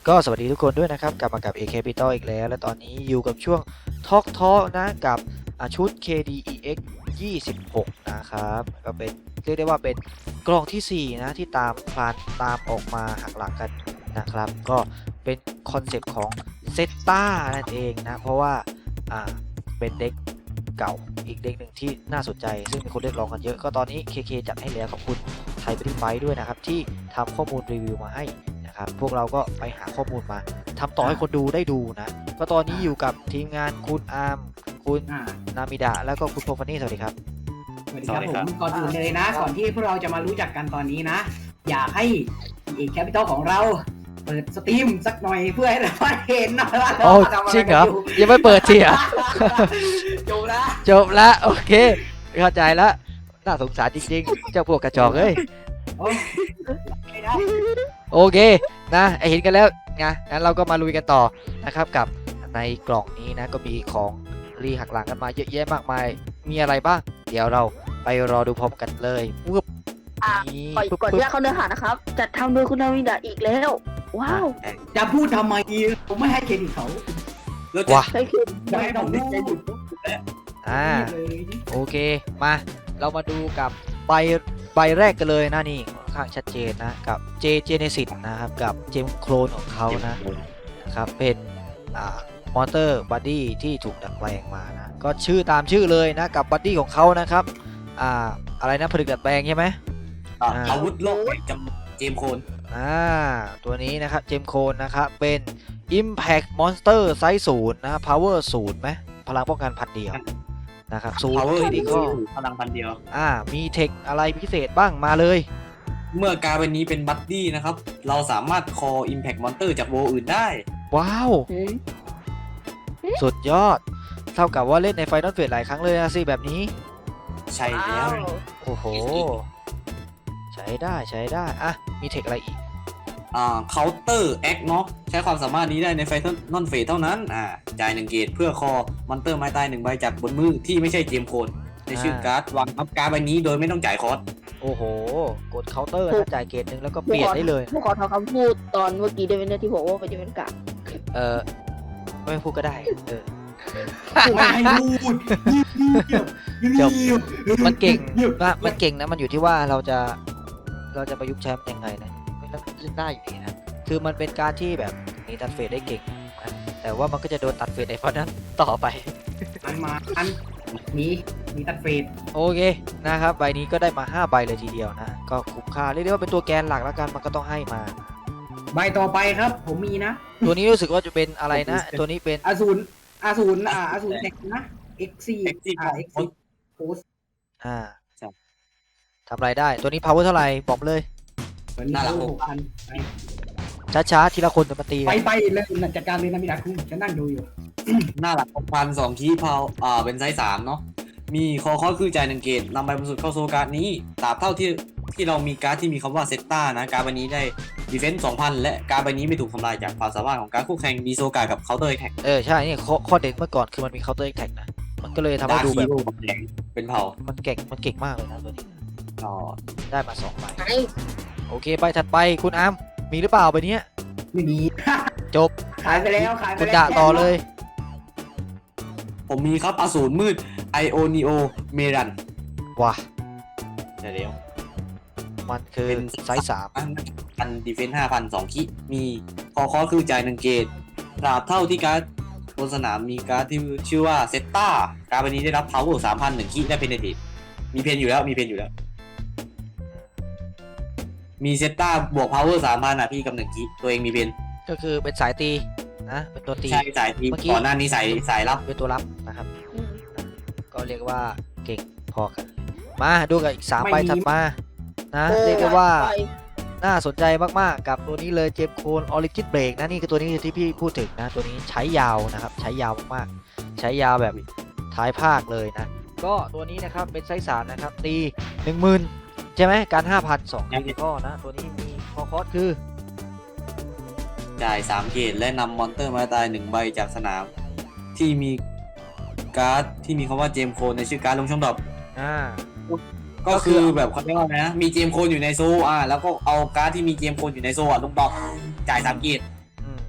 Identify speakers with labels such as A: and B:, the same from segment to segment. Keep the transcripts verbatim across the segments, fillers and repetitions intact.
A: ก็สวัสดีทุกคนด้วยนะครับกลับมากับ เอ Capital อีกแล้วและตอนนี้อยู่กับช่วง Talk Talk นะกับชุด เค ดี อี เอ็กซ์ ยี่สิบหกนะครับก็เป็นเรียกได้ว่าเป็นกล่องที่สี่นะที่ตามพลานตามออกมาหักหลังกันนะครับก็เป็นคอนเซ็ปต์ของเซตตานั่นเองนะเพราะว่าอ่าเป็นเด็กเก่าอีกเด็กหนึ่งที่น่าสนใจซึ่งมีคนเรียกร้องกันเยอะก็ตอนนี้ เค เค จัดให้แล้วขอบคุณไทยบริไฟด้วยนะครับที่ทำข้อมูลรีวิวมาให้ครับพวกเราก็ไปหาข้อมูลมาทำต่อให้คนดูได้ดูนะก็ตอนนี้อยู่กับทีมงานคุณอาร์มคุณนามิดะแล้วก็คุณโพฟานี่สวัสดีครับ
B: สวัสดีครับผมก่อนอื่นเลยนะก่อนที่พวกเราจะมารู้จักกันตอนนี้นะอยากให้เอกแคปิตอลของเราเปิดสตรีมสักหน่อยเพื่อให้เราเห็นหน่อยว่าเราทำอะไร
A: จริงเหรอ
B: อ
A: ยังไม่เปิดทีอ่ะ
B: จบละ
A: จบละโอเคเข้าใจละน่าสงสารจริงๆเจ้าพวกกระจอกเอ้ยโอเคนะไอเห็นกันแล้วนะงั้นเราก็มาลุยกันต่อนะครับกับในกล่องนี้นะก็มีของรีหักหลังกันมาเยอะแยะมากมายมีอะไรบ้างเดี๋ยวเราไปรอดูพร้อมกันเลยปุ๊บ
C: นี่ก่อนที่จะเข้าเนื้อหานะครับจัดทำโดยคุณนาวิดาอีกแล้วว้าว
B: จะพูดทำไมผมไม่ให้เครดิตเขา
A: ว้า
C: ใช่คือ
B: ไม่ให้ผมได้เครดิต
A: อ่าโอเคมาเรามาดูกับใบใบแรกกันเลยนะนี่ค่อนข้างชัดเจนนะกับเจเจเนซิสนะครับกับเจมโคลนของเขานะนะครับเป็นอ่ามอเตอร์บัดดี้ที่ถูกดัดแปลงมานะก็ชื่อตามชื่อเลยนะกับบัดดี้ของเขานะครับอ่าอะไรนะผลิตดัดแปลงใช่ไหม
D: อาวุธโลกจำเจมโคน
A: อ่าตัวนี้นะครับเจมโคนนะครับเป็น Impact Monster ไซส์ศูนย์นะ Power ศูนย์ไหมพลังป้องกันพันเดียวนะครับศูนย์คริติคอล
D: พลังพันเดียว
A: อ่ามีเทคอะไรพิเศษบ้างมาเลย
D: เมื่อการเป็นนี้เป็นบัดดี้นะครับเราสามารถคอ Impact Monster จากโวอื่นได้
A: ว้าวสุดยอดเท่ากับว่าเล่นในไฟนอลเฟสหลายครั้งเลยนะสิแบบนี้
D: ใช่แล้ว
A: โอ้โหใช้ได้ใช้ได้อ่ะมีเทคอะไรอีก
D: อ่า Counter Act เนาะใช้ความสามารถนี้ได้ในไฟนอลเฟสเท่านั้นอ่าจ่ายหนึ่งเกตเพื่อคอมอนเตอร์ไม้ตายหนึ่งใบจากบนมือที่ไม่ใช่เจมโคนในชื่อการ์ดวางอัพการ์ดใบนี้โดยไม่ต้องจ่ายคอส
A: โอ้โหกดเคาน์เตอร์ถ้าจ่ายเกตหนึ่งแล้วก็เปลี่ยนได้เลย
C: ผู้ขอทำคำพูดตอนเมื่อกี้ได้ไหมเนี่ยที่บอกว่ามันจะเป็นกะ
A: เออไม่พูดก็ได้เออ
B: ไม่ให้พูด
A: จบมันเก่งนะมันเก่งนะมันอยู่ที่ว่าเราจะเราจะประยุกต์ใช้มันยังไงนะไม่ต้องขึ้นได้อยู่ดีนะคือมันเป็นการที่แบบหนีตัดเฟสได้เก่งนะแต่ว่ามันก็จะโดนตัดเฟสในเพราะนั้นต่อไป
B: อันมาอันนี้มีตัดเฟส
A: โอเคนะครับใบนี้ก็ได้มาห้าใบเลยทีเดียวนะก็คุ้มค่าเรียกได้ว่าเป็นตัวแกนหลักแล้วกันมันก็ต้องให้มา
B: ใบต่อไปครับผมมีนะ
A: ตัวนี้รู้สึกว่าจะเป็นอะไรนะตัวนี้เป็น
B: อสูรอสูรอ่าอสูรแท็กนะ เอ็กซ์ ซี อ่า เอ็กซ์ ซี โพส
A: อ่าทำไรได้ตัวนี้ power เท่าไหร่บอกเลย
D: น่ารักหกพัน
A: ช้าๆทีละคนจะมาตี
B: ไปไปเลยจัดการเลยนะมิดาคุณฉันนั่งดูอยู่
D: น่ารักหกพันสองคีย์พาวอ่าเป็นไซส์สามเนาะมีคอคอคือจ่ายหนึ่งเกตนำใบบรรจุเข้าโซการ์ดนี้ตราบเท่าที่ที่เรามีการ์ดที่มีคำว่าเซตตานะการ์ดใบนี้ได้ดีเฟนส์สองพันและการ์ดใบนี้ไม่ถูกทำลายจากความสามารถของการคู่แข่งมีโซการ์กับเคาน์เตอร์แท็ก
A: เออใช่เนี่ยข้อเด็ดเมื่อก่อนคือมันมีเคาน์เตอร์แท็กนะมันก็เลยทำให้ดูแบบ
D: เป็นเผ่า
A: มันเก่งมันเก่งมากเลยนะตัวนี้
D: อ๋อ
A: ได้มาสองใบโอเคใบถัดไปคุณอาร์มมีหรือเปล่าใบนี้
B: ไม่มี
A: จบ
B: ขายไปแล้วขายไปแล้ว
A: คุณด่าต่อเลย
D: ผมมีครับอสูรมืดไอโอนิโอเมรัน
A: ว้า
D: ใช่แล้ว
A: มันคือไซส์สาม
D: พันดีเฟนส์ห้าพันสองคิมีคอคอคือจ่ายหนึ่งเกตตราบเท่าที่การ์ดบนสนามมีการ์ดที่ชื่อว่าเซตตาการ์ดใบนี้ได้รับพาวเวอร์สามพันหนึ่งคิได้เพนเนทีฟมีเพนอยู่แล้วมีเพนอยู่แล้วมีเซตตาบวกพาวเวอร์สามพันอ่ะพี่กับหนึ่งคิตัวเองมีเพน
A: ก็คือเป็นสายตีนะเป็นตัวตี
D: ใช่สายตีก่อนหน้านี้สายสายรับ
A: เป็นตัวรับนะครับก็เรียกว่าเก่งพอกันมาดูกับอีกสามใบถัดมานะเรียกได้ว่าน่าสนใจมากๆกับตัวนี้เลยเจมโคนออริจินเบรกนะนี่คือตัวนี้ที่พี่พูดถึงนะตัวนี้ใช้ยาวนะครับใช้ยาวมากๆใช้ยาวแบบท้ายภาคเลยนะก็ตัวนี้นะครับเป็นไซส์สามนะครับตีหนึ่งหมื่นใช่ไหมการห้าพันสองข้อนะตัวนี้มีคอคอสคือ
D: จ่ายสามเกตและนำมอนเตอร์มาตายหนึ่งใบจากสนามที่มีการ์ดที่มีคำว่าเจมโคนในชื่อการ์ดลงช่องดรอป
A: อ่า
D: ก็คือแบบเขาเรียกว่าไงนะมีเจมโคนอยู่ในโซอ่าแล้วก็เอาการ์ดที่มีเจมโคนอยู่ในโซอ่ะลงดรอปจ่ายสามเกต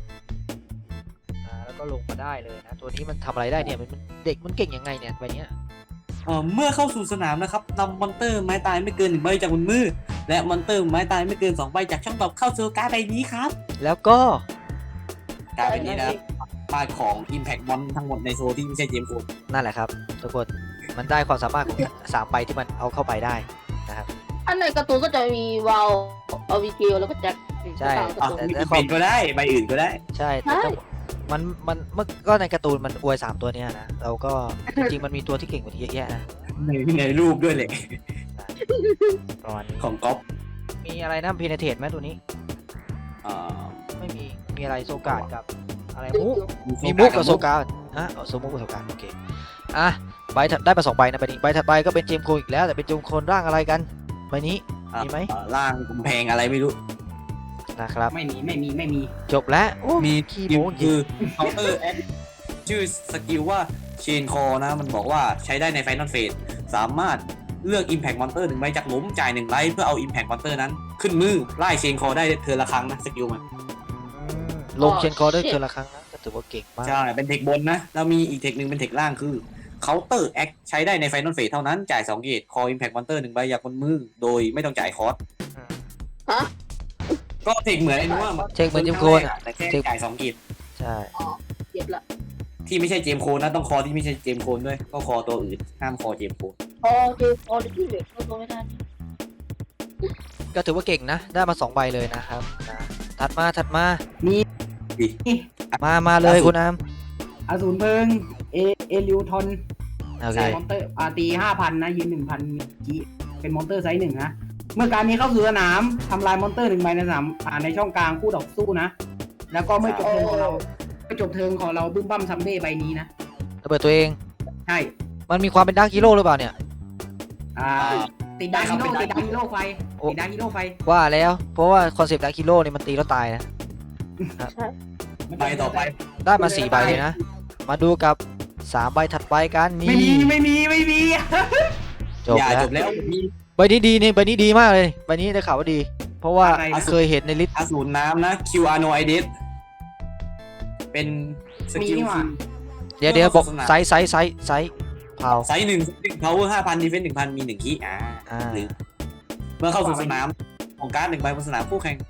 A: แล้วก็ลงมาได้เลยนะตัวนี้มันทำอะไรได้เนี่ยมันเด็กมันเก่งยังไงเนี่ยใบเนี้ย
D: เอ่อเมื่อเข้าสู่สนามนะครับนำมอนเตอร์ไม้ตายไม่เกินหนึ่งใบจากบนมือและมอนเตอร์ไม้ตายไม่เกินสองใบจากช่องตอบเข้าสู่การ์ดใบนี้ครับ
A: แล้วก็
D: การ์ดใบนี้นะป้ายของ Impact Mon ทั้งหมดในโซนที่ไม่ใช่เจมส์โคน
A: นั่นแหละครับทุกคนมันได้ความสามารถของสามใบที่มันเอาเข้าไปได้นะครับ
C: อันในการ์ตูนก็จะมีวาลอวิเกลแล้วก็แจ็ค
A: ใช่
C: ตามการ์
D: อ่ะ
C: ตูน
A: แต่
D: มีเป็นก็ได้ใบอื่นก็ได้
A: ใช่แต่ก็มันมันเมื่อก็ในการ์ตูนมันอวยสามตัวเนี้ยนะเราก็จริงๆมันมีตัวที่เก่งกว่านี้เยอะแยะนะ
D: ในในรูปด้วยเลย
A: ประมาณนี้
D: ของก๊อฟ
A: มีอะไรนะพีเนเทตไหมตัวนี้
D: อ่า
A: ไม่มีมีอะไรโซกาดกับอะไรมุกมีมุกกับโซกาดฮะเอาโซมุกกับโซกาดโอเคอ่ะใบถัดได้มาสองใบนะใบนี้ใบถัดไปก็เป็นเจมส์โคอีกแล้วแต่เป็นเจมส์โคนร่างอะไรกันใบนี้
D: อ่ะ
A: มีไหม
D: อ่าล่างกำแพงอะไรไม่รู้
A: นะครับ
B: ไม่มีไม่มีไม่มี
A: จบแล้วโอ้
D: มี
A: ขี้
D: สกิล
A: โม้จริ
D: คื
A: ง
D: อ counter act ชื่อสกิลว่า chain core นะ มันบอกว่าใช้ได้ใน final phase สามารถเลือก impact monster หนึ่งใบจากหลุมจ่ายหนึ่งไลท์เพื่อเอา impact monster นั้น ขึ้นมือไล่ chain core ได้เธอละครั้งนะสกิลมัน
A: ลงเชนคอร์ได้เกินละครั้งนะก็ถือว่าเก่งมาก
D: ใช่ เป็นเทคบนนะ แล้วมีอีกเทคหนึ่งเป็นเทคล่างคือ counter act ใช้ได้ใน final phase เท่านั้นจ่ายสองเกต call impact monster หนึ่งใบจากบนมือโดยไม่ต้องจ่ายคอร์ส
C: ฮะ
D: ก็เทคเหมือนไอ้นู้น
A: เช็คเหมือนเจมส์โคน
D: อะ
A: อ่ะ
D: แต่แค่จ่ายสองเกต
A: ใช่
C: เจ็บละ
D: ที่ไม่ใช่เจมส์โคนนะต้องคอที่ไม่ใช่เจมส์โคนด้วยก็คอตัวอื่นห้ามคอเจมส์โคน
C: พอเจอพอที่เหลือเข้าตัวไม่ได้
A: ก็ถือว่าเก่งนะ ได้มาสองใบเลยนะครับนะถัดมาถัดมา
B: มี
D: ดิ
A: มามาเลยคุณอาม
B: อสูรเพลิงเอเอลิวทอน
A: โอเค
B: มอนเตอร์อาตีห้าพันนะยืนหนึ่งพันจีเป็นมอนเตอร์ไซส์หนึ่งนะเมื่อการนี้เข้าสู่สนามทำลายมอนเตอร์หนึ่งใบในสนามอ่าในช่องกลางคู่ต่อสู้นะ แล้วก็เมื่อจบเทิร์นของเราเมื่อจบเทิร์นของเราบึ้มบั้มซัมเบ้ใบนี้นะ
A: ระเบิดตัวเอง
B: ใช่
A: มันมีความเป็นดาร์กฮีโร่หรือเปล่าเนี่ย
B: อ่าติดดาร์กฮีโร่ติดดาร์กฮีโร่ไฟติดดาร์กฮีโร่ไฟ
A: ว่าแล้วเพราะว่าคอนเซปต์ดาร์กฮีโร่เนี่ยมันตีแล้วตายนะ
D: ใบต่อไป
A: ได้มาสี่ใบเลยนะ มาดูกับสามใบถัดไปกันนี่
B: ไม่มีไม่มีไม่มี
A: จบ
D: อย่า
A: แล้ว
D: จบแล้วมี
A: ใบนี้ดีนี่ใบนี้ดีมากเลยใบนี้ได้ข่าวว่าดี เพราะว่า
B: อะไรนะ
A: เคยเห็นในลิสต์
D: อสูรน้ำนะ คิว อาร์ โน ไอ เดส เป็นส
B: มี
D: กิล
B: นี่หว่า
A: เดี๋ยวเดี๋ยวบอก
D: โฆษณา
A: ไซส์ไซส์ไซส์ไซส์เผา
D: ไซส์หนึ่งหนึ่ง power ห้าพัน defense หนึ่งพันมีหนึ่งคีอ่า
A: อ่า
D: หรือเมื่อเข้าสู่สนามของการ์ดหนึ่งใบบนสนามคู่แข่ง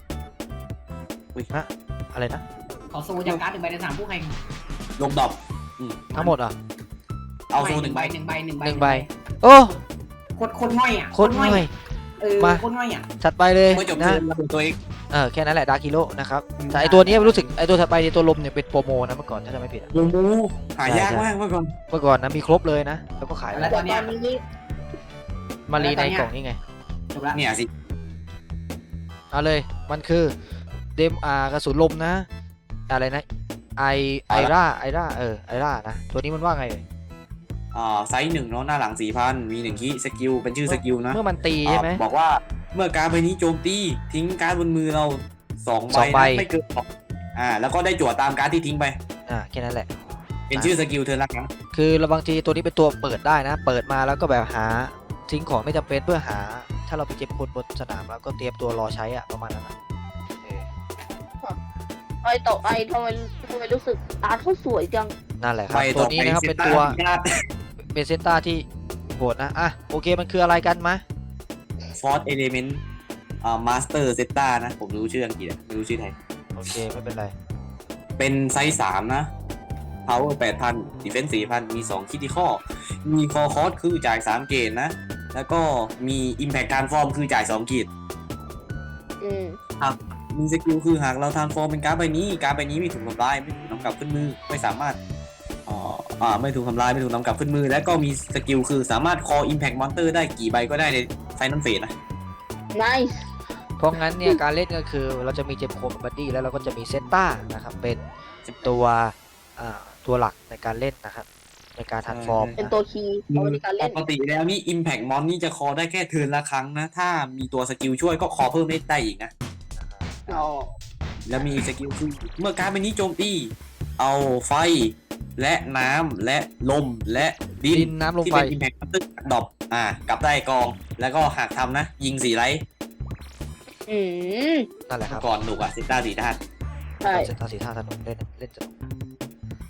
A: อะไรนะ
B: ขอโซจากการ์ดหนึ่งใบในสามผู้แข่ง
D: ลงดรอปอืม
A: ทั้งหมดอ่ะ
D: เอาโซหนึ่งใบ
B: หนึ่งใบหนึ่งใบ
A: หนึ่งใบ โอ้
B: โคตรโคตรง่อยอ่ะ
A: โคตรง่อย
B: เออ
A: มา
B: โคตรง่อยอ่ะ
A: ถัดไปเลย
D: เมื่อจบ
A: นะ
D: เทิร์นระเบิดตัวเอง
A: เออแค่นั้นแหละดาร์กฮีโร่นะครับ
B: อืม
A: แต่ไอตัวเนี้ยรู้สึกไอตัวถัดไปในยตัวลมเนี่ยเป็นโปรโมนะเมื่อก่อนถ้าจำไม่ผิดอะ
D: โอ้โหหายากมากเมื่อก่อน
A: เมื่อก่อนนะมีครบเลยนะ แล้วก็ขายไป
B: แล้วตอนเนี้ย
C: นี้
A: มารีในกล่องนี้ไง
B: จบละ
D: เนี่ยสิ
A: เอาเลยมันคือเดมอากระสุนลมนะ อะไรนะไอไอร่าไอร่าเออไอร่านะตัวนี้มันว่าไงเอ่ย
D: อ่าไซส์หนึ่งเนาะหน้าหลังสี่พันมีหนึ่งคีสกิลเป็นชื่อสกิลนะ
A: เมื่อมันตีใช่ไหม
D: อ่าบอกว่าเมื่อการ์ดใบนี้โจมตีทิ้งการ์ดบนมือเราสอง
A: สองใบ
D: ใบนะไม่เกินสองอ่าแล้วก็ได้จั่วตามการ์ดที่ทิ้งไป
A: อ่าแค่นั้นแหละ
D: เป็นชื่อสกิลเธอละครั้ง
A: คือเราบางทีตัวนี้เป็นตัวเปิดได้นะ เปิดมาแล้วก็แบบหาทิ้งของไม่จำเป็นเพื่อหา ถ้าเราไปเจ็บคนบนสนามแล้วก็เตรียมตัวรอใช้อะประมาณนั้นอะเออ
C: ไปต่อไปทำไมทำไมรู้สึกอาร์ตเขาสวยจัง
A: นั่นแหละค
D: ไป
A: รับ
D: ต่
A: ตั
D: อ
A: ว
D: ไป
A: นี้นะครับ
D: ซ
A: เป็น
D: ต้า
A: ตัว
D: ญาติ
A: เป็นเซนต้าที่โหดนะอ่ะโอเคมันคืออะไรกันมะ
D: ฟอร์สเอเลเมนต์อ่ามาสเตอร์เซต้านะ ผมรู้ชื่ออังกฤษอะไม่รู้ชื่อไทย
A: โอเคไม่เป็นไร
D: เป็นไซส์สามนะ power แปดพัน defense สี่พันมีสองคิดที่ข้อ มีคอคอสคือจ่ายสามเกตนะ แล้วก็มี impact การฟอร์มคือจ่ายสองกีด
C: อืม
D: มีสกิลคือหากเราทานฟอร์มเป็นการ์ดใบนี้ การ์ดใบนี้ไม่ถูกทำลายไม่ถูกนำกลับขึ้นมือไม่สามารถอ่าอ่าไม่ถูกทำลายไม่ถูกนำกลับขึ้นมือ และก็มีสกิลคือสามารถ call impact monster ได้กี่ใบก็ได้ใน final phase นะ
C: nice
A: เพราะงั้นเนี่ยการเล่นก็คือเราจะมีเจมโคมบัดดี้แล้วเราก็จะมีเซนต้านะครับเป็นตัวอ่าตัวหลักในการเล่นนะครับในการทันฟอร์ม
C: เป็นตัวคีย์เอาไว้ในการเล่
D: ป
C: น
D: กติแล้วนี่ impact mon นี่จะ call ได้แค่เทิร์นละครั้งนะ ถ้ามีตัวสกิลช่วยก็ call เพิ่มได้อีกนะ
C: อ๋อ
D: แล้วมีสกิลคือเมื่อการ์ดใบนี้โจมตีเอาไฟและน้ำและลมและดิ
A: ดิ
D: น
A: นน้ำลม
D: ที่
A: ไฟ
D: เป็น impact monster ดรอปอ่ากลับได้กอง แล้วก็หากทำนะ ยิงสี่ไลท์
C: อืม
A: นั่นแหละครับ
D: ก่อนหนุกอะซิต้าสี่ด้าน
C: ใช่
A: เซนต้าสีท่าสนุกเล่นเล่นสนุก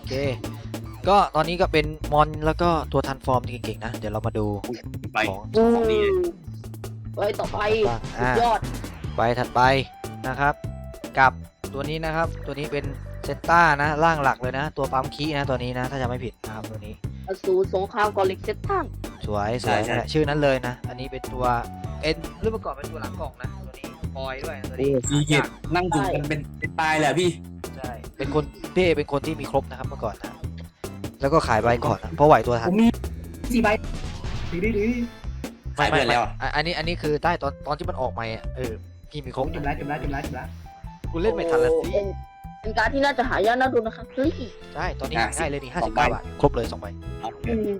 A: เค ก็ตอนนี้ก็เป็นมอนแล้วก็ตัวทันฟอร์มที่เก่งๆนะ เดี๋ยวเรามาดู
D: ไป
A: ของ
C: โอ้
D: ของดีเลย
C: ไว้ต่อไป
A: บ้าง
C: สุ
A: อ่า
C: ดยอด
A: ไปถัดไปนะครับ กับตัวนี้นะครับ ตัวนี้เป็นเซตต้านะร่างหลักเลยนะ ตัวปั๊มคีย์นะตัวนี้นะ ถ้าจะไม่ผิดนะครับตัวนี้
C: อสูรสงครามกอลิกเซตทัง
A: สวยสวยนั่นแหละชื่อนั้นเลยนะ อันนี้เป็นตัวเป็นเรื่องประกอบเป็นตัวหลังกล่องนะ ตัวนี้บอยด้วยตัวนี้
D: มีเกียรตินั่งจุ่มกันเป็นเป็นตายแหละพี่
A: ใช่ เป็นคนพี่เอเป็นคนที่มีครบนะครับเมื่อก่อนนะ แล้วก็ขายใบก่อนนะเพราะไหวตัวทั
B: ผ
A: น
B: มมีสี่ใบถือได้ถือ
D: ขายเพื่อนแล้วอะ
A: อ่ะอันนี้อันนี้คือได้ตอนตอนที่มันออกใหม่อ่ะเออพี่มีครบ
B: จุดแล้วจุดแล้วจุดแล้วจุดแล้ว
A: กูเล่นไม่ทันละสิ
C: โอ้เป็นเป็นการดที่น่าจะหายากน่าดูนะครับเฮ้ย
A: ใช่ตอนนี้หาง่ายเลยนี่ห้าสิบเก้าบาทครบเลยสองใบ
C: อืม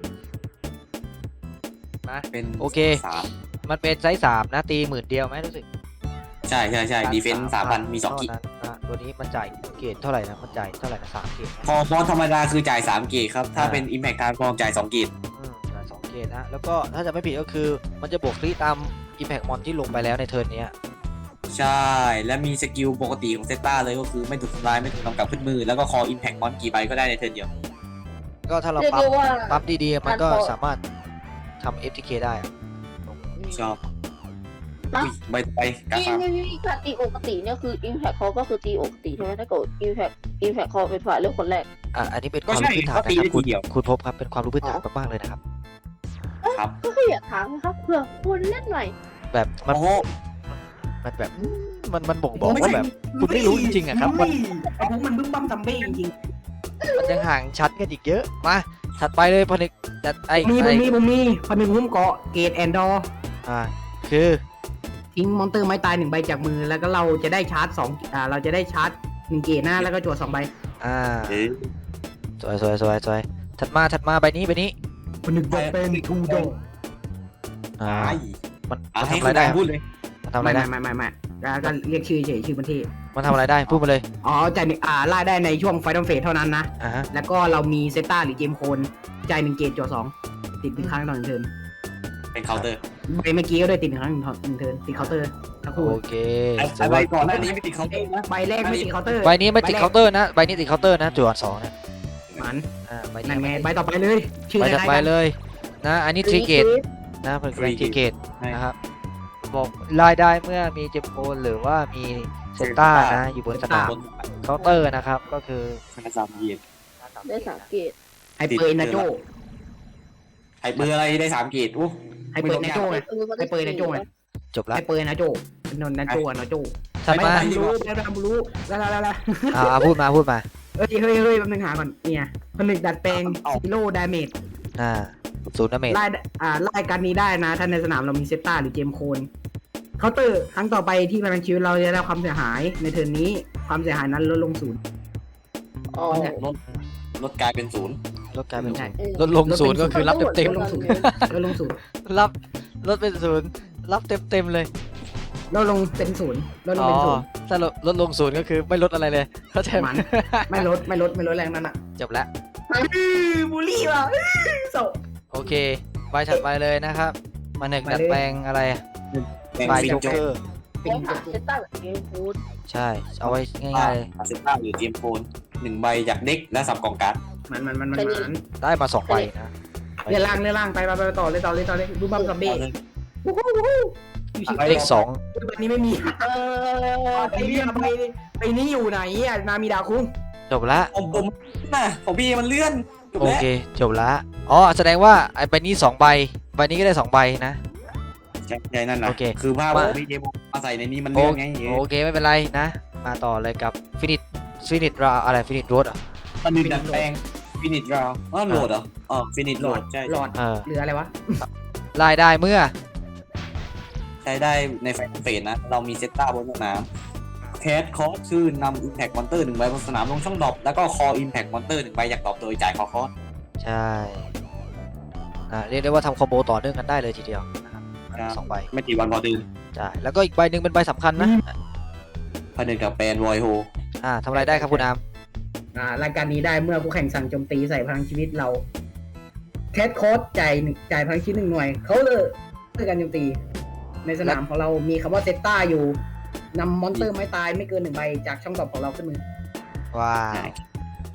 A: นะ
D: เป็น
A: โอเค
D: สาม
A: มันเป็นไซส์สามนะตีหมื่นเดียวไหมรู้สึก
D: ใช่ใช่ใช่ดีเฟนส์สามพันมีสองกิ
A: เท่านั้นนะตัวนี้มันจ่ายเกรดเท่าไหร่นะมันจ่ายเท่าไหร่นะสามเกรดนะ
D: พอฟอนธรรมดาคือจ่ายสามเกตครับ ถ้า
A: อ่า
D: เป็น Impact Time ฟองจ่ายสองเกต
A: อืมจ่ายสองเกรดนะแล้วก็ถ้าจะไม่ผิดก็คือมันจะบวกคลีตาม Impact Mon ที่ลงไปแล้วในเทิร์นเนี้ย
D: ใช่ และมีสกิลปกติของเซตตาเลยก็คือไม่ถูกทำลายไม่ถูกนำกลับขึ้นมือ แล้วก็คอ Impact Mon กี่ใบก็ได้ในเทิร์นเดียว
A: ก็ถ้าเรา
C: เรียก
A: ปั๊ม
C: ได้ว่า
A: ปั๊มดีๆมันก็
C: การพอ
A: สามารถทำ เอฟ ที เค ได้อะ
D: ชอบ
C: นะ
D: อุ้ยใบต่อไปกา
C: นี่
D: ฟา
C: นี่นี่การตีปกติเนี่ยคือ Impact เขาก็คือตีปกติใช่ไหมถ้าเกิด Impact Impact เขาเป็นฝ่ายเลือกคนแรก
A: อ่ะอันนี้เป็นค
D: ก็
A: วาม
D: ใช่
A: รู้พื้นฐาน
D: เขา
A: นะ
D: ตี
A: ครับ
D: ได้
A: คุ
D: ที
A: ณ
D: เดียว
A: คุณพบครับเป็นความรู้พื้นฐานมากๆเลยนะครับ
D: ครับ
C: ก็คืออยากถามนะครับเพื่อคนเล่นใหม่
A: แบบมัน
D: โอ้โห
A: มันแบบมันมันบ่งบอก
B: ไม่
A: ว่า
B: ใช่
A: แบบ คุณไม่รู้จริงๆอะครับมัน
B: ไอ้พวกมันบึ้มบั้มซัมเบ้จริง
A: มันยังห่างชั้นกันอีกเยอะมาถัดไปเลยพนึกจัดไอ้
B: ๆมีผ
A: ไอ้
B: มมีผมมีพนึงหุ้มเกาะเกตแอนดอร์
A: อ่าคือ
B: ทิ้งมอนเตอร์ไม้ตายหนึ่งใบจากมือแล้วก็เราจะได้ชาร์จสองอ่าเราจะได้ชาร์จหนึ่งเกตหน้าแล้วก็จั่วสองใบ
A: อ่า
D: เอ๊ะ
A: สวยสวยสวยสวยถัดมาถัดมาใบนี้ใบนี้
B: พนึกจะเป็นทูโด
A: อ่า
D: ตาย
A: มัน
D: อ่ะ
A: มัน
D: ให้
A: ทำอะไรได้
D: คุณพูดเลย
A: มันทำอะไร
B: ไม่
A: ได้
B: ไม่ไม่ไม่ไม่ก็เรียกชื่อเฉยชื่อบันที
A: มันทำอะไรได้พูดมาเลย
B: อ๋อจ่ายหนึ่งอ่าล่าได้ในช่วงไฟนอลเฟสเท่านั้นนะ
A: อ่าฮะ
B: แล้วก็เรามีเซต้าหรือเจมโคนจ่ายหนึ่งเกตจั่วสองติดหนึ่งครั้งต่อหนึ่งเทิร์น
D: เป็นเคาน์เตอร์
B: ใบเมื่อกี้ก็ด้วยติดหนึ่งครั้งหนึ่งหนึ่งเทิร์นติดเคาน์เตอร์ทั้งคู่
A: โอเค
D: ไอ้
A: สวย
D: ใบก่อนหน้านี้ไม่ติดเคาน์เตอร์นะ
B: ใบแรกไม่ติดเคาน์เตอร์
A: ใบนี้ไม่ติดเคาน์เตอร์นะใบนี้ติดเคาน์เตอร์นะจั่วสองนะ
B: มัน
A: อ่าใบ
B: นั่นไง
A: นี้
B: ใบต่อไปเลยชื่อ
A: ใบ
B: อะไร
A: ถัดไป
B: กัน
A: เลยนะอันนี้ทริเกตนะเป็นแรงทริเกต
D: ใช่
A: นะครับบอกรายได้เมื่อมีเจมโอนหรือว่ามีเซนต้านะอยู่บนสนาม
D: บน
A: เคาน์เตอร์นะครับก็คือ
D: สามเกียรติ
C: ได้สามเกต
B: ไฮเปอร์นาโจ
D: ไอ้เบอร์อะไรได้สามเกียรติอู้
B: ไฮเปอร์นาโจไง ไฮเปอร์นาโจไง
A: จบละ
B: ไฮเปอร์นาโจเป็นนนนาโจอะนาโจ
A: ถัด
B: ไม่
A: มา
B: ทำรู้ไม่ทำรู้แล้วแล้วแล้ว
A: อ่าอ่าพูดมาพูดมา
B: เฮ้ยเฮ้ยเฮ้ยแป๊บนึงหาก่อนเนี่ยผนึกดัดแปลงซีโร่ดาเมจ
A: อ่าศูนย์ดาเมจ
B: ไล่อ่าไล่การนี้ได้นะถ้าในสนามเรามีเซต้าหรือเจมโคนเคาน์เตอร์ครั้งต่อไปที่พลังชีวิตเราจะได้ความเสียหายในเทิร์นนี้ความเสียหายนั้นลดลงศูนย์
C: อ๋อ
D: ลดลดกลายเป็นศูนย์
A: ลดกลายเป็น
B: ใช่
A: ศูนย์ลดลงศูนย์ก็คือรับเต็มเต็ม
B: ลดลงศูนย์ลดลงศูนย์
A: ๆรับลดเป็นศูนย์รับเต็มเต็มๆเลย
B: ลดลงเป็นศูนย์ลดลงเป็นศูนย์
A: ถ้าลดลดลงศูนย์ก็คือไม่ลดอะไรเลยเข้าใจไหม
B: มัน ไม่ลดไม่ลดไม่ลดแรงนั้นอ่ะ
A: จบแล้ว
B: บูลลี่ว่ะโซ
A: โอเคใบถัดไปเลยนะครับมาหนึ่ง
B: ไปเลย
A: ดัดแปลงอะไร
D: แบ่ง
A: ใบ
D: ฟิง
A: โจ๊ก
D: โจ๊
A: เก
D: ก
A: อร์
C: เป็นหาเซต้ากับเกมฟูด
A: ใช่เอาไว้ง่ายๆเลย
D: อาเซต้าหรือเจมโฟนหนึ่งใบจากเด็กและสับกล่องการ์ด
B: มันมันมันมันมัน
A: ได้มาสองใบนะ
B: เรือล่างเรือล่างไปไปไปต่อเลยต่อเลยต่อเลยดูบัมซัมบี้วู้ฮู้วู้ฮู้ชิว
A: เลขสอง
B: ๆวันนี้ไม่มี
C: เออ
B: ไปนี่ไปไปนี่อยู่ไหนอ่ะนามีดาคุ้ง
A: จบละ
D: ผมผมน่ะของพี่มันเลื่อนจบ
A: โอ
D: แล้ว
A: เคจบละอ๋อแสดงว่าไอ้ใบนี้สองใบใบนี้ก็ได้สองใบนะ
D: ใช่ใช่นั่นนะ
A: โอเค
D: คือภาพ
A: มา
D: ของพี่เจมมาใส่ในนี้มัน
A: โอ
D: เลื่อนไง
A: โอเคไม่เป็นไรนะ มาต่อเลยกับฟินิชฟินิชราอะไรฟินิชโรดอ่ะ
D: มันมีดัดแปลงฟินิชราวอ๋อโหลดเหรออ๋อฟินิชโหลดใช่
B: หลอด
A: เออ
B: หรืออะไรวะ
A: รายได้เมื่อ
D: ใช้ได้ในไฟเฟสนะ เรามีเซตต้าบนสนามแคสคอสคือนำอิมแพคมอนเตอร์หนึ่งใบบนสนามลงช่องดรอปแล้วก็คออิมแพคมอนเตอร์หนึ่งใบอยากดรอปโดยจ่ายคอคอส
A: ใช่อ่าเรียกได้ว่าทำคอมโบต่อเนื่องกันได้เลยทีเดียวนะครับ
D: ครับ
A: สองใบ
D: ไม่ตีวันพอตื่น
A: ใช่แล้วก็อีกใบหนึ่งเป็นใบสำคัญนะ
D: ผนึกกับแปนวอยโฮ
A: อ่าทำอะไรได้ครับคุณอาม
B: อ่ารายการนี้ได้เมื่อผู้แข่งสั่งโจมตีใส่พลังชีวิตเราแคสโค้ดจ่ายหนึ่งจ่ายพลังชีวิตหนึ่งหน่วยเขาเลยเพื่อการโจมตี ในสนามของเรามีคำว่าเซต้าอยู่นำมอนเตอร์ไม้ตายไม่เกินหนึ่งใบจากช่องตอบของเราขึ้นมือ
A: ว้าว
B: ม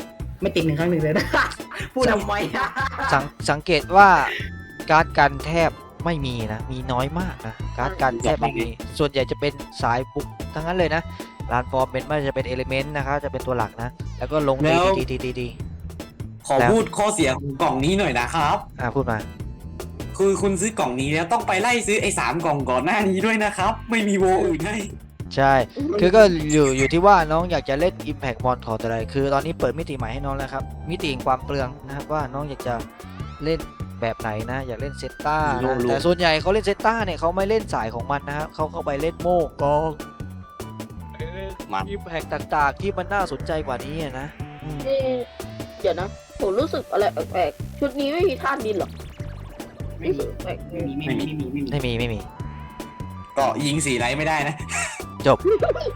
B: ไม่ติดหนึ่งครั้งหนึ่งเลยนะ พูดทำไมอะ
A: สังสังเกตว่าการ์ดกันแทบไม่มีนะ มีน้อยมากนะ การ์ดกันแทบไม่มี ส่วนใหญ่จะเป็นสายบุกทั้งนั้นเลยนะลานฟอร์มเป็นไม่ว่าจะเป็นเอลิเมนต์นะครับจะเป็นตัวหลักนะ แล้วก็ลงดีดีดีดีดี
D: ขอพูดข้อเสียของกล่องนี้หน่อยนะครับ
A: อ่ะพูดมา
D: คือคุณซื้อกล่องนี้แล้วต้องไปไล่ซื้อไอ้สามกล่องก่อนหน้านี้ด้วยนะครับ ไม่มีโวอื่นให้
A: ใช่ คือก็อยู่อยู่ที่ว่าน้องอยากจะเล่น Impact Ball ของแต่อะไร คือตอนนี้เปิดมิติใหม่ให้น้องแล้วครับ มิติแห่งความเปลืองนะครับว่าน้องอยากจะเล่นแบบไหนนะ อยากเล่นเซตต้า
D: รู้
A: นะ
D: รู้
A: แต่ส่วนใหญ่เขาเล่นเซตต้าเนี่ยเขาไม่เล่นสายของมันนะครับเขาเข้าไปเล่นโม่กอง
D: มัน
A: อิมแพกต่างๆ ที่มันน่าสนใจกว่านี้อะนะอืม
C: นี่เดี๋ยวนะผมรู้สึกอะไรแปลกๆชุดนี้ไม่มีธาตุดินหรอ
B: ไม่
C: รู้
B: มี
C: สึกแปลก
B: ไม่มีไม่มีไม่มีไม่มี
A: ไม่มีไม่มี
D: ก็ยิงสีไรไม่ได้นะ
A: จบ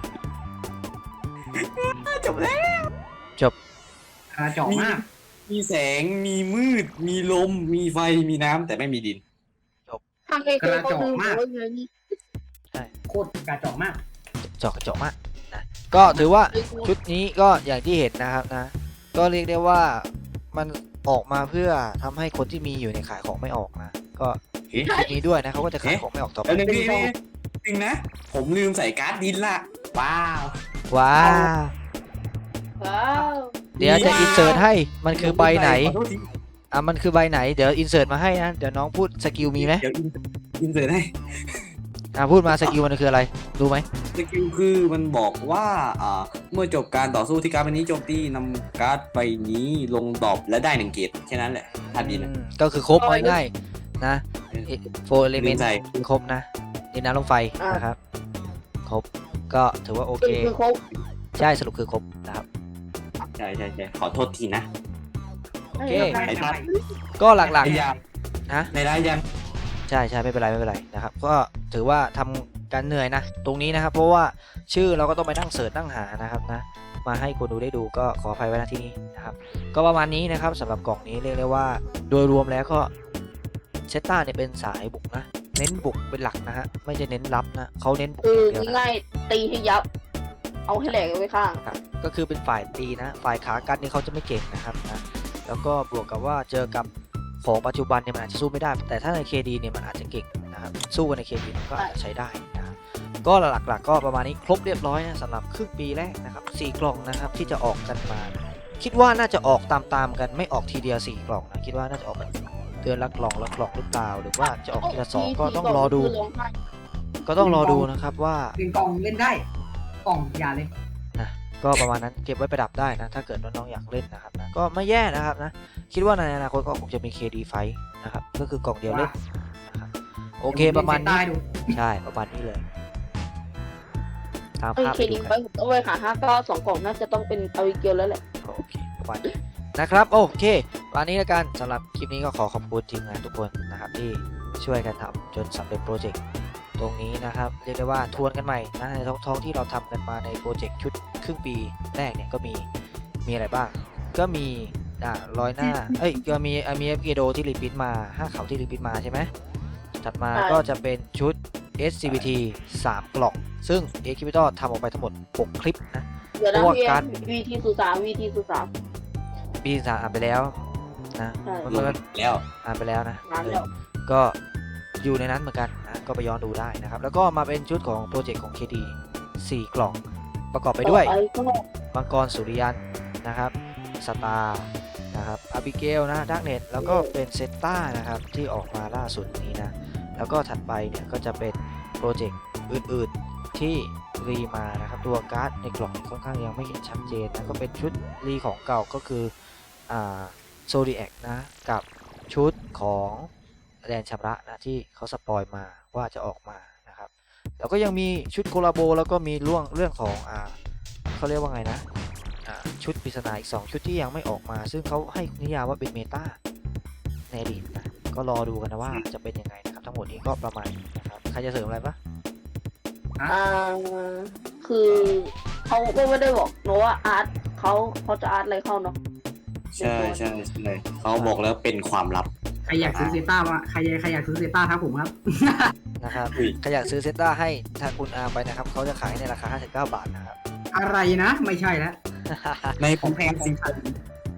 D: จบแล้ว
B: กระจอกมาก
D: มีแสง มีมืด มีลม มีไฟ มีน้ำแต่ไม่มีดิน
C: ทางเอเคเขาคือบอกว่าไงนี่
B: โคตรกระจอกมาก
A: จอกกระจอกมากนะก็ถือว่าชุดนี้ก็อย่างที่เห็นนะครับนะ ก็เรียกได้ว่ามันออกมาเพื่อทำให้คนที่มีอยู่ในขายของไม่ออกนะ ก็
D: เอ๊ะ
A: ชุดนี้ด้วยนะเขาก็จะขายของไม่ออกต่อไป
D: แล้วนึงพี่นี่จริงนะ ผมลืมใส่การ์ดดินละ ว้าว
A: ว้าว
C: ว้าว
A: เดี๋ยวจะอินเสิร์ตให้มันคือใบไหน
D: ขอโทษที
A: อ่ะมันคือใบไหนเดี๋ยวอินเสิร์ตมาให้นะเดี๋ยวน้องพูดสกิลมีไหม
D: เดี๋ยวอินอินเสิร์ตให้
A: อ่ะพูดมาสกิลมันคืออะไรรู้ไหม
D: สกิลคือมันบอกว่าอ่าเมื่อจบการต่อสู้ที่การ์ดใบนี้โจมตีนำการ์ดใบนี้ลงดรอปและได้หนึ่งเกตแค่นั้นแหละทันดีนะ
A: อืมก็คือครบเอาง่ายๆนะโฟร์เอลิเมนต์
D: ใส่
A: ครบนะดินน้ำลมไฟนะครับครบก็ถือว่าโอเค
C: คือเขา
A: ใช่สรุปคือครบนะครับ
D: ใช่ใช่ใช่ขอโทษทีนะ
A: โอเค
D: ไอ้ทัด
A: ก็หลัก
D: ไอ้ยาง
A: ๆนะ
D: ในร้านยัง
A: ใช่ใช่ไม่เป็นไรไม่เป็นไรนะครับก็ถือว่าทำการเหนื่อยนะ ตรงนี้นะครับ เพราะว่าชื่อเราก็ต้องไปนั่งเสิร์ชนั่งหานะครับนะมาให้คนดูได้ดูก็ขออภัยไว้ณที่นี้นะครับก็ประมาณนี้นะครับสำหรับกล่องนี้เรียกได้ว่า โดยรวมแล้วก็เซตต้าเนี่ยเป็นสายบุกนะเน้นบุกเป็นหลักนะฮะไม่ใช่เน้นรับนะเขาเน้นบุก
C: คือ
A: อย่างเดียวนะ
C: ง่ายๆตีให้ยับ เอาให้แหลกเอาไว้ข้าง
A: ครับก็คือเป็นฝ่ายตีนะ ฝ่ายขากันนี่เขาจะไม่เก่งนะครับนะแล้วก็บวกกับว่าเจอกับของปัจจุบันเนี่ยมันอาจจะสู้ไม่ได้ แต่ถ้าใน เค ดี เนี่ยมันอาจจะเก่งนะครับสู้กันใน เค ดี มันก็อาจจะใช้ได้นะครับก็หลักๆก็ประมาณนี้ครบเรียบร้อยนะสำหรับครึ่งปีแรกนะครับสี่กล่องนะครับที่จะออกกันมา คิดว่าน่าจะออกตามๆกันไม่ออกทีเดียวสี่กล่องนะคิดว่าน่าจะออกแบบเดือนละกล่องละกล่องหรือเปล่าหรือว่าจะออกทีละสองก็ต้องรอดู
C: คือร้องไห้
A: ก็ต้องรอดูนะครับว่า
B: เป็นกล่องเล่นได้ กล่องอย่าเลย
A: นะก็ประมาณนั้นเก็บไว้ประดับได้นะถ้าเกิดน้องๆอยากเล่นนะครับนะก็ไม่แย่นะครับนะคิดว่าในอนาคตก็คงจะมี เค ดี ไฟท์นะครับก็คือกล่องเดียวเล่นนะครับโอเคประมาณนี้
B: ได้ดู
A: ใช่ประมาณนี้เลยตาม
C: เอ้ย
A: ภาพ
C: เค
A: ไป
C: ดี
A: ดู
C: ไป
A: กัน
C: ผมต้องไปหาห้าเก้าสองกล่องน่าจะต้องเป็นอาวิเกลแล้วแหละ
A: โอเคประมาณนี้นะครับโอเควันนี้แล้วกันสำหรับคลิปนี้ก็ขอขอบคุณทีมงานทุกคนนะครับที่ช่วยกันทำจนสำเร็จโปรเจกต์ตรงนี้นะครับเรียกได้ว่าทวนกันใหม่นะในท้องๆที่เราทำกันมาในโปรเจกต์ชุดครึ่งปีแรกเนี่ยก็มีมีอะไรบ้าง ก็มีอ่ารอยหน้าเอ้ยก็มีมีเอฟเกโดที่รีพิทมาห้าเขาที่รีพิทมาใช่ไหมถัดมาก็จะเป็นชุด เอส ซี บี ที สามกล่องซึ่ง เอ คิ พี ตอล ทำออกไปทั้งหมดหกคลิปนะ
C: เดี๋ยวนะ
A: เพราะว่า
C: พี่
A: การ
C: วีทีสุสามวีทีสุสาม
A: ปีสามอ่านไปแล้วนะ
C: ใช่
A: มัน
D: ลง
A: ก็
D: แล้ว
A: อ่านไปแล้วนะ
C: นานแล้ว
A: ก็อยู่ในนั้นเหมือนกันนะก็ไปย้อนดูได้นะครับ แล้วก็มาเป็นชุดของโปรเจกต์ของ เค ดี สี่กล่อง ประกอบไปด้วย
C: ต่อก็
A: มังกรสุริยันนะครับสตาร์นะครับอาบิเกลนะดักเน็ตแล้วก็เป็นเซตต้านะครับที่ออกมาล่าสุดนี้นะแล้วก็ถัดไปเนี่ยก็จะเป็นโปรเจกต์อื่นๆที่รีมานะครับตัวการ์ดในกล่องค่อนข้างยังไม่เห็นชัดเจนนะก็เป็นชุดรีของเก่าก็คืออ่าโซดิแอคนะกับชุดของแดนชำระนะที่เขาสปอยมาว่าจะออกมานะครับแล้วก็ยังมีชุดโคลาโบแล้วก็มีเรื่องเรื่องของอ่าเขาเรียกว่าไงนะอ่าชุดปริศนาอีกสองชุดที่ยังไม่ออกมา ซึ่งเขาให้นิยามว่าเป็นเมตาในอดีตนะก็รอดูกันนะว่าจะเป็นยังไงนะครับทั้งหมดนี้ก็ประมาณนี้นะครับใครจะเสริมอะไรปะ
C: อ่าคือเขาก็ไม่ได้บอกเนอะว่าอาร์ตเขาเขาจะอาร์ตอะไรเข้าเนาะ
D: ใช่ใช่ใช่เขาบอกแล้วเป็นความลับ
B: ใครอยากซื้อเซต้ามาใครใครอยากซื้อเซต้าครับผมครับ
A: นะครับ
D: อุ้ย
A: ใครอยากซื้อเซตต้าให้ทางคุณอาร์มไปนะครับเขาจะขายในราคาห้าสิบเก้าบาทนะครับ
B: อะไรนะ ไม่ใช่แล้ว
D: ในผมแพงจริง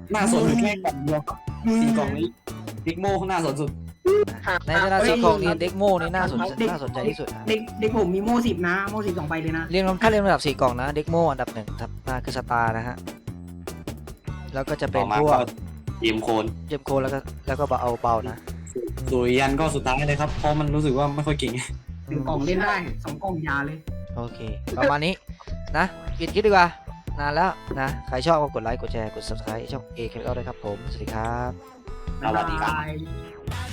D: น่าสนอยู่แค่กล่องเดียวครับสี่กล่องนี้ดิกโมน่าสนสุด
A: ในฐานะสีของนี้เด็กโม่นี่น่าสนน่าสนใจที่สุดนะ
B: เด็กเด็กผมมีโม่สิบนะโม่สิบสองใบเลยนะ
A: เรียงลำถ้าเรียงลำดับสี่กล่องนะเด็กโม่อันดับหนึ่งครับน่าคือสตาร์นะฮะแล้วก็จะเป็
D: ต่
A: น
D: อมา
A: พว
D: ก็
A: ก
D: เยมโคน
A: เยมโคแล้วก็แล้วก็เบาเอาเบานะ
D: สุริยันก็สุดท้ายเลยครับเพราะมันรู้สึกว่าไม่ค่อยเก่ง
B: หนึ่งกล่องเล่นได้สองกล่องยาเลย
A: โอเค ประมาณนี้นะปิดคลิปดีกว่า นานแล้วนะ ใครชอบก็กดไลค์ กดแชร์ กด subscribe ช่อง A Capital ด้วยครับผม สวัสดีครับ
D: สวัสดีครับ
B: าย